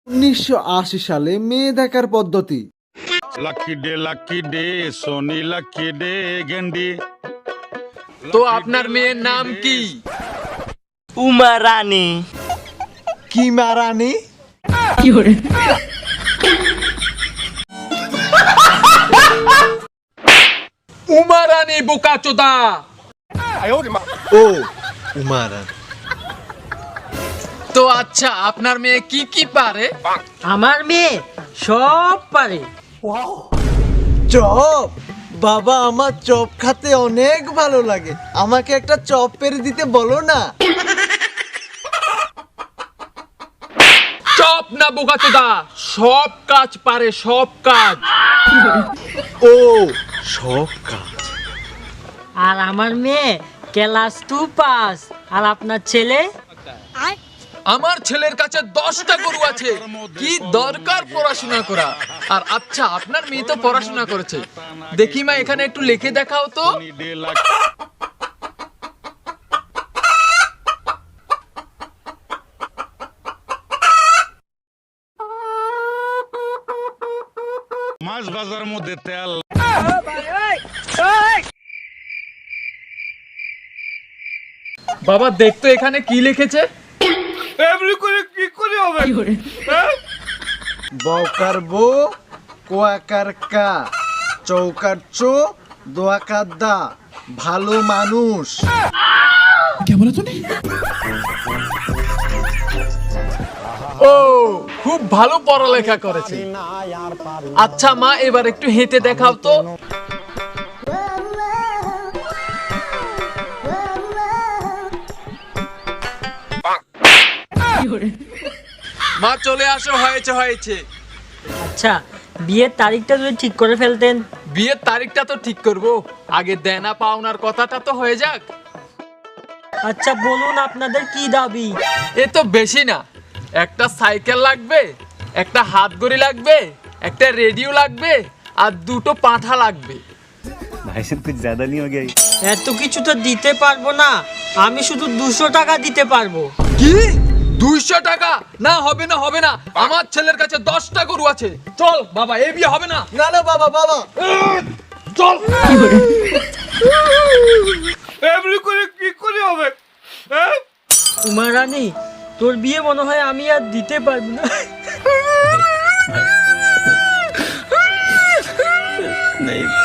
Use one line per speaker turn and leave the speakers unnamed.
1980 সালে মেয়ে দেখার পদ্ধতি।
Lucky day Soni lucky day গেন্ডি।
তো আপনার মেয়ের নাম কি?
উমা রানী।
কি মারানি?
উমা রানী বোকাচোদা।
ও উমা রানী।
তো আচ্ছা, আপনার মেয়ে কি কি পারে?
আমার মেয়ে সব পারে।
চপ? বাবা, আমার চপ খেতে অনেক ভালো লাগে, আমাকে একটা চপ পেরে দিতে বলো না।
চপ না বোকাচোদা, সব কাজ পারে, সব কাজ।
ও সব কাজ।
আর আমার মেয়ে ক্লাস 2 পাস। আর আপনার ছেলে?
আমার ছেলের কাছে 10টা গরু আছে, কি দরকার পড়াশোনা করা? আর আচ্ছা, আপনার মেয়ে তো পড়াশোনা করেছে, দেখি মা এখানে একটু লিখে দেখাও তো।
মাছ বাজার মধ্যে তেল।
বাবা দেখতো এখানে কি লিখেছে।
বউকার বউ, কোয়াকার কা, চৌকার চো, দোয়াকার দা, ভালো মানুষ।
ও, খুব ভালো পড়ালেখা করেছে। আচ্ছা মা, এবার একটু হেঁটে দেখাও তো। মা চলে আসো, হয়েছে হয়েছে।
আচ্ছা, বিয়ের তারিখটা যদি ঠিক করে ফেলতেন।
বিয়ের তারিখটা তো ঠিক করব, আগে দেনা পাওনার কথাটা তো হয়ে যাক।
আচ্ছা বলুন, আপনাদের কি দাবি?
এ তো বেশি না, একটা সাইকেল লাগবে, একটা হাত ঘড়ি লাগবে, একটা রেডিও লাগবে, আর 2টো পাঁঠা লাগবে।
भाई साहब कुछ ज्यादा नहीं हो गया?
এত কিছু তো দিতে পারবো না, আমি শুধু 200 টাকা দিতে পারবো।
কি 200 টাকা? না, হবে না, হবে না, আমার ছেলের কাছে 10টা গরু আছে। চল বাবা, এই বিয়ে হবে না।
না না বাবা, বাবা
চল।
উমা রানী, তোর বিয়ে মনে হয় আমি আর দিতে পারবো না।
नहीं